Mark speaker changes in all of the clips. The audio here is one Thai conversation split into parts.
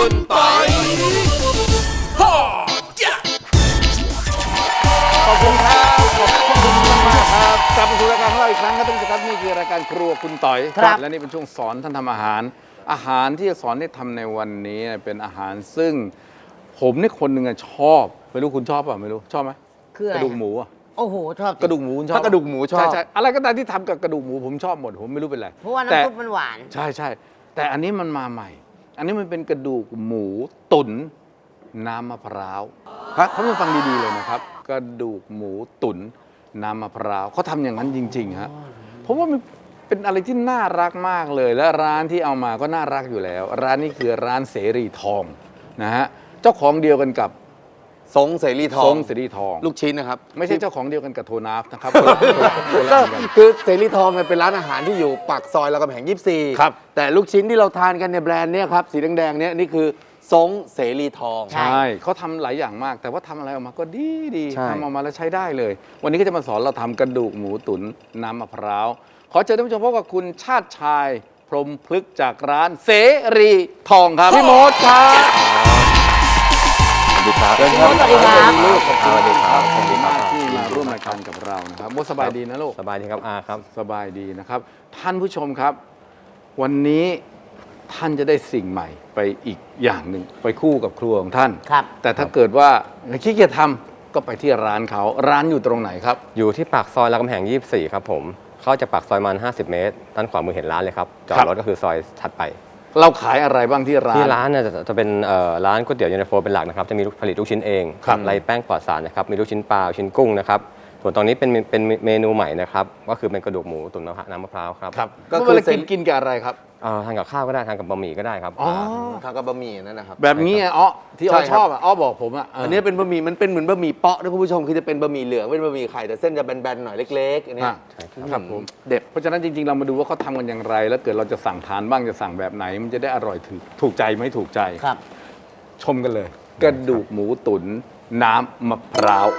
Speaker 1: คุณปอยขอบคุณครับขอบคุณมากครับกลับมาสู่รายการของเราอีกครั้งครับท่านผู้ชมครับนี่คือรายการครัวคุณต่อยครับและนี่เป็นช่วงสอนท่านทำอาหารที่จะสอนให้ทำในวันนี้เป็นอาหารซึ่งผมนี่คนหนึ่งชอบไม่รู้คุณชอบป่ะไม่รู้ชอบไหม
Speaker 2: คืออะไร
Speaker 1: กระดูกหมู
Speaker 2: โอ้โหชอบ
Speaker 1: กระดูกหมูชอบ
Speaker 3: ถ้ากระดูกหมูชอบ
Speaker 1: ใช่อะไรก็ตามที่ทำกับกระดูกหมูผมชอบหมดผมไม่รู้เป็นไร
Speaker 2: เพราะว่าน้ำซุปมันหวาน
Speaker 1: ใช่แต่อันนี้มันมาใหม่ อันนี้มันเป็นกระดูกหมูตุ๋นน้ำมะพร้าวครับท่านผู้ฟังดีๆเลยนะครับกระดูกหมูตุ๋นน้ำมะพร้าวเขาทำอย่างนั้นจริงๆฮะเพราะว่ามันเป็นอะไรที่น่ารักมากเลยและร้านที่เอามาก็น่ารักอยู่แล้ว ร้านนี้คือร้านเสรีทองนะฮะเจ้าของเดียวกันกับ
Speaker 3: ทรงเสรีทอง
Speaker 1: ทรงเสรีทอง
Speaker 3: ลูกชิ้นนะครับ
Speaker 1: ไม่ใช่เจ้าของเดียวกันกับโทนาฟนะครับ
Speaker 3: ก็คือเสรีทองเนี่ยเป็นร้านอาหารที่อยู่ปากซอยรามคำแหง24
Speaker 1: ครับ
Speaker 3: แต่ลูกชิ้นที่เราทานกันในแบรนด์เนี่ยครับสีแดงๆเนี่ยนี่คือทรงเสรีทอง
Speaker 1: ใช่เขาทำหลายอย่างมาก แต่ว่าทำอะไรออกมาก็ดี
Speaker 3: ใช่
Speaker 1: ทำออกมาแล้วใช้ได้เลย วันนี้ก็จะมาสอนเราทำกระดูกหมูตุ๋นน้ำมะพร้าวขอเชิญท่านผู้ชมพบกับคุณชาติชายพรหมพฤกษ์จากร้านเสรีทองครับพี่มดครับ
Speaker 3: สวัสดีครับ
Speaker 2: พี่มดสวัสดีครับ
Speaker 1: ลูกขอบคุณ
Speaker 3: สวัสดีครับ
Speaker 1: ขอบคุณมากที่มาร่วมรายการกับเรานะครับมดสบายดีนะลูก
Speaker 3: สบายดีครับอาครับ
Speaker 1: สบายดีนะครับ ท่านผู้ชมครับ วันนี้ท่านจะได้สิ่งใหม่ไปอีกอย่างหนึ่งไปคู่กับครัวของท่าน
Speaker 2: ครับ
Speaker 1: แต่ถ้าเกิดว่าขี้เกียจทำก็ไปที่ร้านเขาร้านอยู่ตรงไหนครับ
Speaker 4: อยู่ที่ปากซอยรามคำแหง24ครับผมเข้าจากปากซอยมัน50 เมตรด้านขวามือเห็นร้านเลยครับจอด
Speaker 1: ครับ
Speaker 4: รถก็คือซอยถัดไป
Speaker 1: เราขายอะไรบ้างที่ร้าน
Speaker 4: ที่ร้านเนี่ยจะเป็นร้านก๋วยเตี๋ยวเย็นตาโฟเป็นหลักนะครับจะมีผลิตลูกชิ้นเอง
Speaker 1: ครับ
Speaker 4: ไรแป้งปลอดสารนะครับมีลูกชิ้นปลาลูกชิ้นกุ้งนะครับส่วนตอนนี้เป็นเมนูใหม่นะครับก็คือเป็นกระดูกหมูตุ๋นน้ำมะพร้าวครับ
Speaker 1: ครับ
Speaker 3: ก็
Speaker 1: ก็
Speaker 3: คื
Speaker 1: คือ
Speaker 3: อ
Speaker 1: กินกับอะไรครับ
Speaker 4: ทานกับข้าวก็ได้ทานกับบะหมี่ก็ได้ครับ
Speaker 1: อ๋อ
Speaker 3: ทางกับบะหมี่นั่นนะครับ
Speaker 1: แบบนี้อ๋อที่อ้อ
Speaker 3: ใช่ครับ
Speaker 1: ชอบอ่ะอ้อบอกผมอ่ะ
Speaker 3: อันนี้เป็นบะหมี่มันเป็นเหมือนบะหมี่เปาะนะคุณผู้ชมคือจะเป็นบะหมี่เหลืองเป็นบะหมี่ไข่แต่เส้นจะแบนๆหน่อยเล็กๆอันเนี้ย
Speaker 4: ใช่ครับ
Speaker 1: ครับผม
Speaker 3: เด็ด
Speaker 1: เพราะฉะนั้นจริงๆเรามาดูว่าเขาทำกันอย่างไร แล้วเกิดเราจะสั่งทานบ้างจะสั่งแบบไหน มันจะได้อร่อยถูกใจไหมถูกใจ
Speaker 2: ครับ
Speaker 1: ชมกันเลย กระดูกหมูตุ๋นน้ำมะพร้าว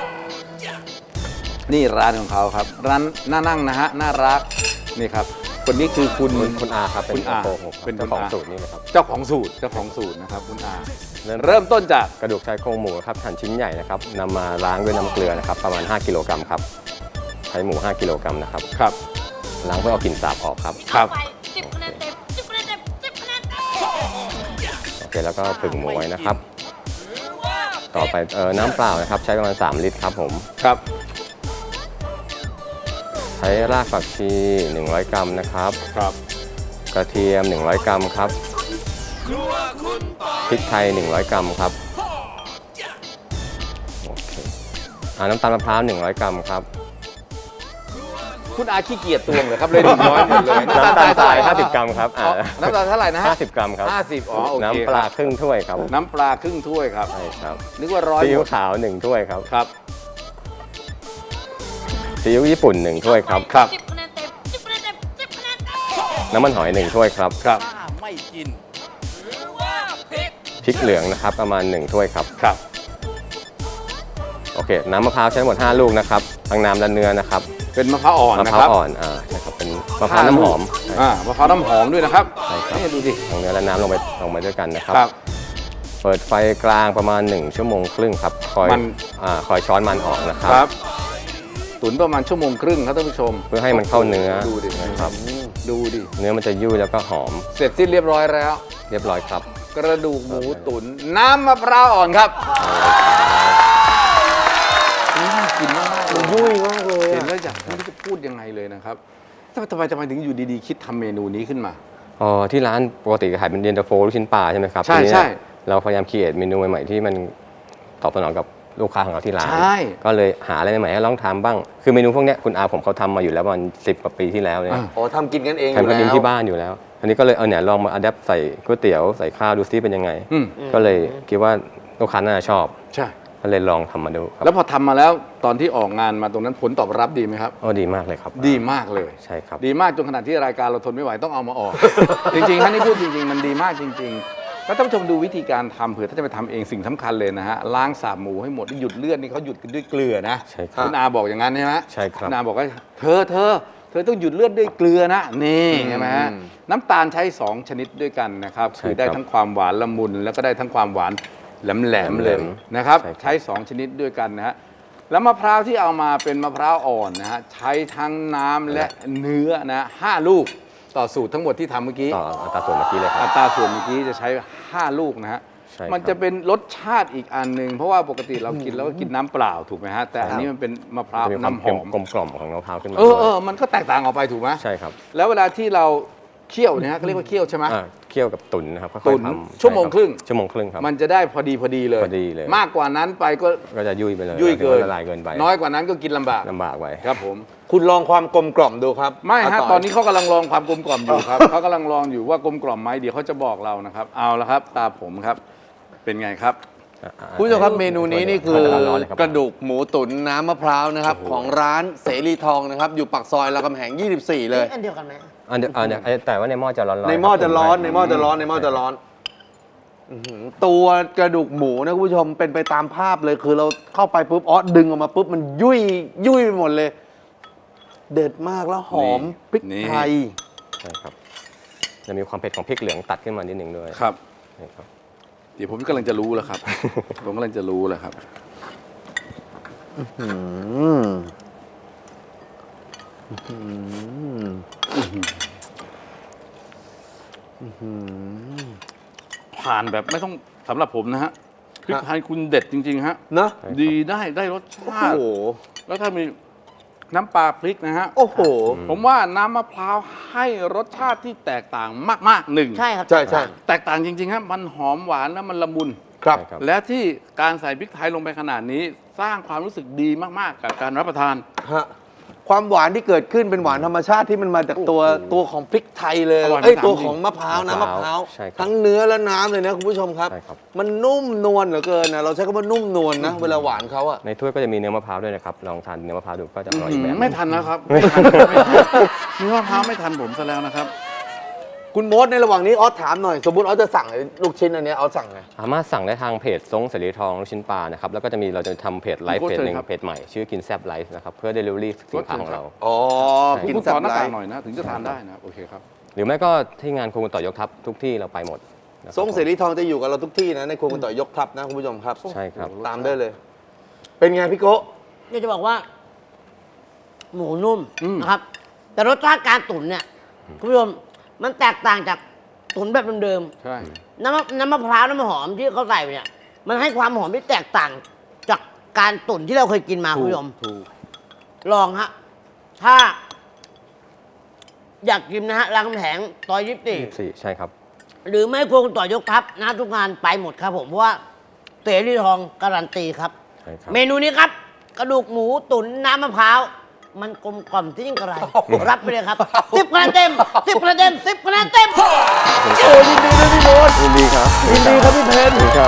Speaker 1: นี่ร้านของเขาครับ ร้านน่านั่งนะฮะน่ารักนี่ครับ คนนี้คือคุณ
Speaker 4: อาครับเป็น
Speaker 1: คุณอา
Speaker 4: โกหกครับ
Speaker 1: เป็น
Speaker 4: เจ้าของ
Speaker 1: คุณอา
Speaker 4: สูตรนี่นะครับ
Speaker 1: เจ้าของสูตรนะครับคุณอาเริ่มต้นจาก
Speaker 4: กระดูกชายโครงหมูครับหั่นชิ้นใหญ่นะครับนำมาล้างด้วยน้ำเกลือนะครับประมาณ5 กิโลกรัมครับใช้หมู5 กิโลกรัมนะครับ
Speaker 1: ครับ
Speaker 4: ล้างเพื่อเอากลิ่นสาบออกครับ
Speaker 1: ครับ
Speaker 5: ไป10 คะแนนเต็ม10 คะแนนเต็ม10 คะแนนเต็ม
Speaker 4: โอเคแล้วก็ผึ่งหมูไว้นะครับ ต่อไปน้ำเปล่านะครับใช้ประมาณ3 ลิตรครับผม
Speaker 1: ครับ
Speaker 4: ใช้รากผักชี100 กรัมนะครับ
Speaker 1: ครับ
Speaker 4: กระเทียม100 กรัมครับพริกไทย100 กรัมครับโอเคน้ำตาลมะพร้าว100 กรัมครับ
Speaker 1: คุณอาขี้เกียจตวงเหรอครับเลย100หมดเลย
Speaker 4: น้ำตาลทราย50 กรัมครับ
Speaker 1: อ๋อน้ำตาลเท่าไหร่นะฮะ
Speaker 4: 50 กรัมครับ
Speaker 1: 50อ๋อโอเค
Speaker 4: น้ำปลาครึ่งถ้วยครับ
Speaker 1: น้ำปลาครึ่งถ้วยครับ
Speaker 4: ใช่ครับ
Speaker 1: นึกว่าร้อย
Speaker 4: ซีอิ๊
Speaker 1: ห
Speaker 4: ว
Speaker 1: มด
Speaker 4: ขาว1 ถ้วยครับ
Speaker 1: ครับ
Speaker 4: ซีอิ๊วญี่ปุ่น1 ถ้วยครับ
Speaker 1: ครับ
Speaker 5: 10 คะแนนเต็ม10 คะแนนเต็ม10 คะแนนเต็ม
Speaker 4: น้ำมันหอย1 ถ้วยครับ
Speaker 1: ครับไม่กิน
Speaker 4: พริกเหลืองนะครับประมาณ1 ถ้วยครับ
Speaker 1: ครับ
Speaker 4: โอเคน้ำมะพร้าวใช้ทั้งหมด5 ลูกนะครับทั้งน้ำและเนื้อนะครับ
Speaker 1: เป็นมะพร้าวอ่อน
Speaker 4: มะ
Speaker 1: นะ
Speaker 4: พ
Speaker 1: ค
Speaker 4: ร้าว
Speaker 1: รับ
Speaker 4: อ่อนใช่ครับเป็นมะพร้าวน้ำหอม
Speaker 1: มะพร้าวน้ำหอมด้วยนะครับ
Speaker 4: ใช่ครับ
Speaker 1: นี่ดูสิ
Speaker 4: ทั้งเนื้อและน้ำลงไปด้วยกันนะครับ
Speaker 1: ครับ
Speaker 4: เปิดไฟกลางประมาณ1 ชั่วโมงครึ่งครับคอยช้อนมันออกนะค
Speaker 1: ค
Speaker 4: รั
Speaker 1: รับ บ ตุ๋นประมาณ1 ชั่วโมงครึ่งครับท่านผู้ชม
Speaker 4: เพื่อให้มันเข้าเนื้อ
Speaker 1: ดูดิ
Speaker 4: นะครับ
Speaker 1: ดูดิ
Speaker 4: เนื้อมันจะยุ่ยแล้วก็หอม
Speaker 1: เสร็จสิ้นเรียบร้อยแล้ว
Speaker 4: เรียบร้อยครับ
Speaker 1: กระดูกหมูตุ๋นน้ำมะพร้าวอ่อนครับน่ากินมากๆเลย
Speaker 3: ยุ่ยมากเลย
Speaker 1: เห็นแล้วอยากไม่รู้จะพูดยังไงเลยนะครับทำไมถึงอยู่ดีๆคิดทำเมนูนี้ขึ้นมา
Speaker 4: ที่ร้านปกติขายเป็นเย็นตาโฟลูกชิ้นปลาใช่ไหมครับ
Speaker 1: ใช่
Speaker 4: ทีนี้
Speaker 1: ใช่
Speaker 4: เราพยายามคิดเมนูใหม่ๆที่มันตอบสนองกับลูกค้าของเราที่ร้าน
Speaker 1: ใช่
Speaker 4: ก็เลยหาอะไรใหม่ๆให้ลองทำบ้าง คือเมนูพวกเนี้ยคุณอาผมเขาทำมาอยู่แล้วประมาณ10 กว่าปีที่แล้วเนี่ย
Speaker 3: อ๋อทำกินกันเองอยู่
Speaker 4: ทำกัน
Speaker 3: แล้
Speaker 4: เอง
Speaker 3: ว
Speaker 4: ที่บ้านอยู่แล้ว อันนี้ก็เลยเนี่ยลองมาอัดแอปใส่ก๋วยเตี๋ยวใส่ข้าวดูซิเป็นยังไง
Speaker 1: อืม
Speaker 4: ก็เลยคิดว่าลูกค้าน่าจะชอบ
Speaker 1: ใช่
Speaker 4: ก็เลยลองทำมาดูครับ
Speaker 1: แล้วพอทำมาแล้วตอนที่ออกงานมาตรงนั้นผลตอบรับดีไหมครับ
Speaker 4: ดีมากเลยครับ
Speaker 1: ดีมากเลย
Speaker 4: ใช่ครับ
Speaker 1: ดีมากจนขนาดที่รายการเราทนไม่ไหวต้องเอามาออก จริงๆท่านนี่พูดจริงๆ มันดีมากจริง ๆ แล้วท่านผู้ชมดูวิธีการทำเผื่อถ้าจะไปทำเองสิ่งสำคัญเลยนะฮะล้างสาบหมูให้หมดหยุดเลือดนี่เขาหยุดกันด้วยเกลือนะ
Speaker 4: ใช่ครับ
Speaker 1: คุณอาบอกอย่างนั้นใช่ไหม
Speaker 4: ใช่ครับ
Speaker 1: คุณอาบอกว่าเธอเธอต้องหยุดเลือดด้วยเกลือนะนี่ใช่ไหมฮะน้ำตาลใช้ 2 ชนิดด้วยกันนะครับ
Speaker 4: ใช่
Speaker 1: คือได้
Speaker 4: ครับ
Speaker 1: ทั้งความหวานละมุน แล้วก็ได้ทั้งความหวานแหลมๆเลยนะครับ
Speaker 4: ใช่ครับ
Speaker 1: ใช้ 2 ชนิดด้วยกันนะฮะแล้วมะพร้าวที่เอามาเป็นมะพร้าวอ่อนนะฮะใช้ทั้งน้ำและเนื้อนะ5 ลูกต่อสูตรทั้งหมดที่ทำเมื่อกี้
Speaker 4: ต่ออัตราส่วนเมื่อกี้เลยค
Speaker 1: อั
Speaker 4: รับ
Speaker 1: ตราส่วนเมื่อกี้จะใช้ 5 ลูกนะฮะ
Speaker 4: ใช่ครับ
Speaker 1: มันจะเป็นรสชาติอีกอันหนึ่งเพราะว่าปกติเรากินแล้วก็กินน้ำเปล่าถูกไหมฮะ แต่อันนี้มันเป็นมะพร้าว
Speaker 4: จะมีความ
Speaker 1: น้ำหอม
Speaker 4: กลมกล่อมของมะพร้าวขึ้นมา
Speaker 1: มันก็แตกต่างออกไปถูกไหม
Speaker 4: ใช่ครับ
Speaker 1: แล้วเวลาที่เราเคี่ยวเนี่ยฮะเขาเรียกว่าเคี่ยวใช่ไหม
Speaker 4: เคี่ยวกับตุ๋นนะครับค่อยๆ
Speaker 1: ตุ๋น
Speaker 4: ทำ
Speaker 1: ชั่วโมงครึ่ง
Speaker 4: ชั่วโมงครึ่งครับ
Speaker 1: มันจะได้พอดีเลย
Speaker 4: พอดีเลย
Speaker 1: มากกว่านั้นไปก็
Speaker 4: ก็จะยุ่ยไปเลย
Speaker 1: ยุ่ยเกิน
Speaker 4: ละลายเกินไป
Speaker 1: น้อยกว่านั้นก็กินลำบาก
Speaker 4: ลำบากไป
Speaker 1: ครับผม
Speaker 3: คุณลองความกลมกล่อมดูครับ
Speaker 1: ไม่ฮะ
Speaker 3: า
Speaker 1: ตอนนี้เขากำลังลองความกลมกล่อมอยู่ครับ เขากำลังลองอยู่ว่ากลมกล่อมไหมเดี๋ยวเขาจะบอกเรานะครับ เอาละครับ ตาผมครับ เป็นไงครับ
Speaker 3: คุณผู้ชมครับเมนูนี้นี่คือ
Speaker 4: ร้อนๆเลยครับ
Speaker 3: กระดูกหมูตุ๋นน้ำมะพร้าวนะครับของร้านเสรีทองนะครับอยู่ปากซอยรามคำแหง 24 เลย
Speaker 2: อันเดียวกันไหม
Speaker 4: อันเดียวแต่ว่าในหม้อจะร้อนๆ
Speaker 3: ในหม้อจะร้อน
Speaker 4: คบ
Speaker 3: ในหม้อจะร้อนในหม้อจะร้อนอื้อหือตัวกระดูกหมูนะคุณผู้ชมเป็นไปตามภาพเลยคือเราเข้าไปปุ๊บดึงออกมาปุ๊บมันยุ่ยไปหมดเลย เด็ดมากแล้วหอม
Speaker 1: นี่
Speaker 3: พริก
Speaker 1: นี่
Speaker 3: ไทย
Speaker 4: ใช่ครับจะมีความเผ็ดของพริกเหลืองตัดขึ้นมานิดหนึ่งด้วย
Speaker 1: ครับ
Speaker 4: ใช่ครับ
Speaker 1: เดี๋ยวผมกำลังจะรู้แล้วครับ ผมกำลังจะรู้แล้วครับ
Speaker 3: อืมอืม
Speaker 1: ผ่านแบบไม่ต้องสำหรับผมนะฮะพริกไทยคุณเด็ดจริง ๆ ฮะ
Speaker 3: เนอะ
Speaker 1: ดีได้รสชา
Speaker 3: โอ้
Speaker 1: ติ
Speaker 3: โห
Speaker 1: แล้วถ้ามีน้ำปลาพริกนะฮะ
Speaker 3: โอ้โห
Speaker 1: ผมว่าน้ำมะพร้าวให้รสชาติที่แตกต่างมากๆหนึ่ง
Speaker 2: ใช่ครับ
Speaker 3: ใช่ใช่
Speaker 1: แตกต่างจริงๆฮะมันหอมหวานแล้วมันละมุน
Speaker 3: ครับ
Speaker 4: ใช่ครับ
Speaker 1: และที่การใส่พริกไทยลงไปขนาดนี้ สร้างความรู้สึกดีมากๆ กับการรับประทาน
Speaker 3: ฮะความหวานที่เกิดขึ้นเป็นหวานธรรมชาติที่มันมาจากตัวของพริกไทยเลย
Speaker 1: อร่อย
Speaker 3: เอ้ย
Speaker 1: มาก
Speaker 3: ตัว
Speaker 1: จริง
Speaker 3: ของมะพร้าวน้ำมะพร้าว
Speaker 4: ใช่ครับ
Speaker 3: ทั้งเนื้อและน้ำเลยนะคุณผู้ชมครับ
Speaker 4: ใช่ครับ
Speaker 3: มันนุ่มนวลเหลือเกินนะเราใช้คำว่านุ่มนวลนะเวลาหวานเขาอะ
Speaker 4: ในถ้วยก็จะมีเนื้อมะพร้าวด้วยนะครับลองทานเนื้อมะพร้าวดูก็จะอร่อยอีกแบบ
Speaker 1: ไม่ทันแล้วครับเนื้อมะพร้าวไม่ทันผมซะแล้วนะครับ
Speaker 3: คุณโมดในระหว่างนี้ออสถามหน่อย สมมติออสจะสั่งลูกชิ้นอันเนี้ยออสสั่งไง
Speaker 4: สามารถสั่งได้ทางเพจซงเสรีทองลูกชิ้นปลานะครับแล้วก็จะมีเราจะทำเพจไลฟ์
Speaker 1: โอ้
Speaker 4: เพจหนึ่ง
Speaker 1: เชิญครับ
Speaker 4: เพจใหม่ชื่อกินแซบไลฟ์นะครับเพื่อเดลิเวอรี่สินค้าของเรา
Speaker 3: อ๋อ
Speaker 4: ใช่
Speaker 3: กิน
Speaker 1: คุณ
Speaker 3: แซ่
Speaker 1: ขอบ หน้า
Speaker 3: ไล
Speaker 1: ต่าง
Speaker 3: ฟ์
Speaker 1: หน่อยนะ ถึงจะทานได้นะโอเคครับ
Speaker 4: หรือไม่ก็ที่งานครูต่อยกทัพทุกที่เราไปหมดนะครับ
Speaker 3: ทรงเสรีทองจะอยู่กับเราทุกที่นะในครัวคุณต่อยยกทัพนะคุณผู้ชมครับ
Speaker 4: ใช่ครับ
Speaker 3: ตามได้เลย เป็นไงพี่โกะ
Speaker 2: อยากจะบอกว่า หมูนุ่ม
Speaker 1: อืม
Speaker 2: นะครับ แต่รสชาติการตุ๋นเนี่ยคุณผู้ชมมันแตกต่างจากตุ๋นแบบเดิม
Speaker 1: ใช่
Speaker 2: ๆน้ำมะพร้าวน้ำหอมที่เขาใส่ไปเนี่ย มันให้ความหอมที่แตกต่างจากการตุ๋นที่เราเคยกินมาคุณผู้ชม
Speaker 1: ถูก
Speaker 2: ลองฮะ ถ้า อยากกินนะฮะรามคำแหงซอย24
Speaker 4: ใช่ครับ
Speaker 2: หรือไม่ครัวคุณต่อยกทัพนะทุกงานไปหมดครับผมเพราะว่าเสรีทองการันตีครับ
Speaker 4: ใช่ครับ
Speaker 2: เมนูนี้ครับ กระดูกหมูตุ๋นน้ำมะพร้าว มันกลมกล่อมที่ยิ่งกระไร รับไปเลยครับ10 คะแนนเต็ม10 คะแนนเต็ม10 คะแนนเต็ม
Speaker 3: โอ้ยินดีด้วยพี่โมด
Speaker 4: ยินดีครับ
Speaker 3: ยินดีครับพี่เพน
Speaker 4: ครับ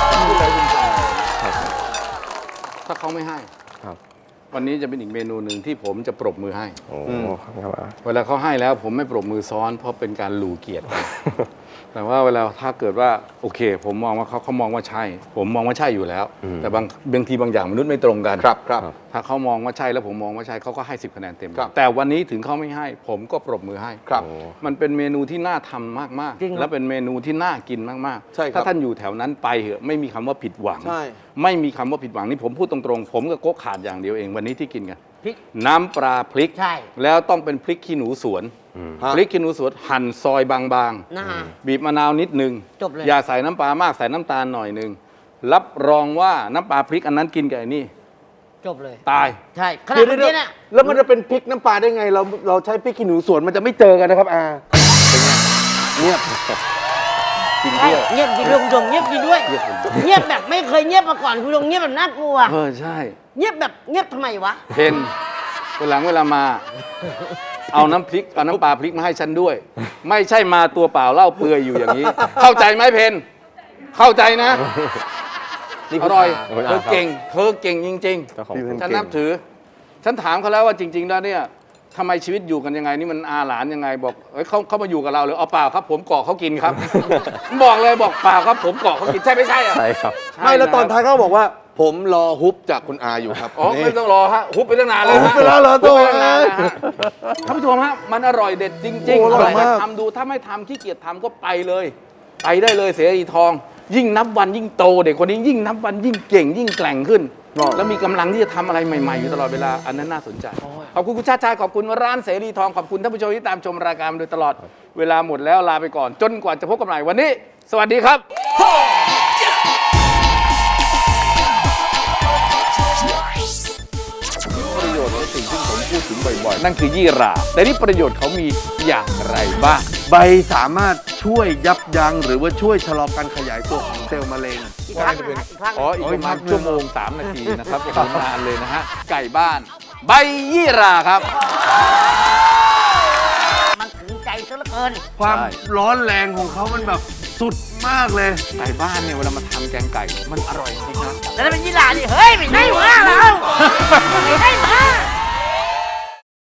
Speaker 1: ถ้าเขาไม่ให้
Speaker 4: ครับ
Speaker 1: วันนี้จะเป็นอีกเมนูหนึ่งที่ผมจะปรบมือให้
Speaker 4: โอ้ครับ
Speaker 1: เวลาเขาให้แล้วผมไม่ปรบมือซ้อน เพราะเป็นการหลู่เกียรติกัน แต่ว่าเวลาถ้าเกิดว่าโอเค ผมมองว่าเขามองว่าใช่ ผมมองว่าใช่อยู่แล้ว แต่บางทีบางอย่างมนุษย์ไม่ตรงกัน
Speaker 3: ครับครับ
Speaker 1: ถ้าเขามองว่าใช่แล้วผมมองว่าใช่เขาก็ให้10 คะแนนเต็ม
Speaker 3: ครับ
Speaker 1: แต่วันนี้ถึงเขาไม่ให้ ผมก็ปรบมือให้
Speaker 3: ครับ
Speaker 1: มันเป็นเมนูที่น่าทำมาก
Speaker 2: จริงค
Speaker 1: ๆ
Speaker 2: รับ
Speaker 1: และเป็นเมนูที่น่ากินมาก
Speaker 3: ใช่ครับ
Speaker 1: ถ้าท่านอยู่แถวนั้นไปเหอะไม่มีคำว่าผิดหวัง
Speaker 3: ใช่
Speaker 1: ไม่มีคำว่าผิดหวังนี่ผมพูดตรงๆ ผมกับโก๊กขาดอย่างเดียวเองวันนี้ที่กินกัน
Speaker 2: พริก
Speaker 1: น้ำปลาพริก
Speaker 2: ใช่
Speaker 1: แล้วต้องเป็นพริกขี้หนูสวน
Speaker 3: ฮะ
Speaker 1: พริกขี้หนูสวนหั่นซอยบาง
Speaker 2: นะฮะ
Speaker 1: ๆ บีบมะนาวนิดนึง
Speaker 2: จบเลย
Speaker 1: อย่าใส่น้ำปลามากใส่น้ำตาลหน่อยนึงรับรองว่าน้ำปลาพริกอันนั้นกินกับไอ้นี่
Speaker 2: จบเลย
Speaker 1: ตาย
Speaker 2: ใช่ขนาด
Speaker 3: เดี๋ยว
Speaker 2: เมื่อ
Speaker 3: เดี๋ยว
Speaker 2: กี้เนี่ย
Speaker 3: แล้วมันจะเป็นพริกน้ำปลาได้ไง เราใช้พริกขี้หนูสวนมันจะไม่เจอกันนะครับอาเป็นไงเงียบกิน
Speaker 2: ใช่
Speaker 3: เที่ยว
Speaker 2: เงียบจริงด้วยคุณผู้ชมเงียบจริงด้วย เงียบแบบไม่เคยเงียบมาก่อนคุณผู้ชมเงียบแบบน่ากลัว
Speaker 1: ใช่
Speaker 2: เงียบแบบเงียบทำไมวะ
Speaker 1: เพนเวลามา เอาน้ำพริกเอาน้ำปลาพริกมาให้ฉันด้วย ไม่ใช่มาตัวเปล่าเล่าเปลือยอยู่อย่างนี้ เข้าใจไหมเพนเข้าใจนะ
Speaker 3: นี่
Speaker 1: อ
Speaker 3: คือ
Speaker 1: ร่อย
Speaker 4: คุณ
Speaker 1: เธ
Speaker 4: อา
Speaker 1: อ
Speaker 4: ครับ
Speaker 1: เก่งเธอเก่งจริง
Speaker 4: เจ้าของ
Speaker 1: ๆ ฉันนับถือ ฉันถามเขาแล้วว่าจริง ๆ แล้วเนี่ยทำไมชีวิตอยู่กันยังไงนี่มันอาหลานยังไงบอกเอ้ยเขามาอยู่กับเราหรือเอาเปล่าครับ ผมเกาะเขากินครับ บอกเลยบอกเปล่าครับผมเกาะเขากินใช่ไม่ใช่อะ
Speaker 4: ใช่ครับ
Speaker 1: ใช่
Speaker 3: ไม่แล้วตอน
Speaker 1: นะครับ
Speaker 3: ท้ายเขาบอกว่าผมรอฮุบจากคุณอาอยู่ครับ
Speaker 1: อ๋อ
Speaker 3: นี่
Speaker 1: ไม่ต้องรอฮะฮุบไปตั้งนานเลย
Speaker 3: ฮุบ
Speaker 1: ฮะ
Speaker 3: ไปแล้วเหรอ
Speaker 1: ฮุบไปตั้งนานแล้วฮะท่านผู้ชมฮะมันอร่อยเด็ดจริง
Speaker 3: โอ้
Speaker 1: ๆ
Speaker 3: อร่อยมาก
Speaker 1: ทำดูถ้าไม่ทำขี้เกียจทำก็ไปเลย ไปได้เลยเสรีทอง ยิ่งนับวันยิ่งโตเด็กคนนี้ยิ่งนับวันยิ่งเก่งยิ่งแกร่งขึ้น แล้วมีกำลังที่จะทำอะไรใหม่ๆอยู่ตลอดเวลาอันนั้นน่าสนใจ ขอบคุณคุณชาติชายขอบคุณร้านเสรีทองขอบคุณท่านผู้ชมที่ตามชมรายการมาโดยตลอดเวลาหมดแล้วลาไปก่อน จนกว่าจะพบกันใหม่วันนี้ สวัสดีครับ ประโยชน์ของสิ่งที่ผมพูดถึงบ่อยๆ นั่นคือยี่หร่าแต่นี่ประโยชน์เขามีอย่างไรบ้าง
Speaker 3: ใบสามารถช่วยยับยั้งหรือว่าช่วยชะลอการขยายตัวของเซลล์มะเร็ง
Speaker 2: อีกครั้งหนึงนะอีกครั้งหนึ่ง
Speaker 1: อ๋อ อีกประมาณชั่วโมง 3 นาทีนะครับอย่างนานเลยนะฮะ ไก่บ้าน ใบยี่หร่าครับ
Speaker 2: มันถึงใจซะเหลือเกิน
Speaker 3: ความร้อนแรงของเขามันแบบสุดมากเลย
Speaker 1: ไก่บ้านเนี่ยเวลามาทำแกงไก่ มันอร่อยจริงนะ
Speaker 2: แล้วเป็นยี่หร่าดิเฮ้ยไม่ใช่หมาเราไม่ใช่หมา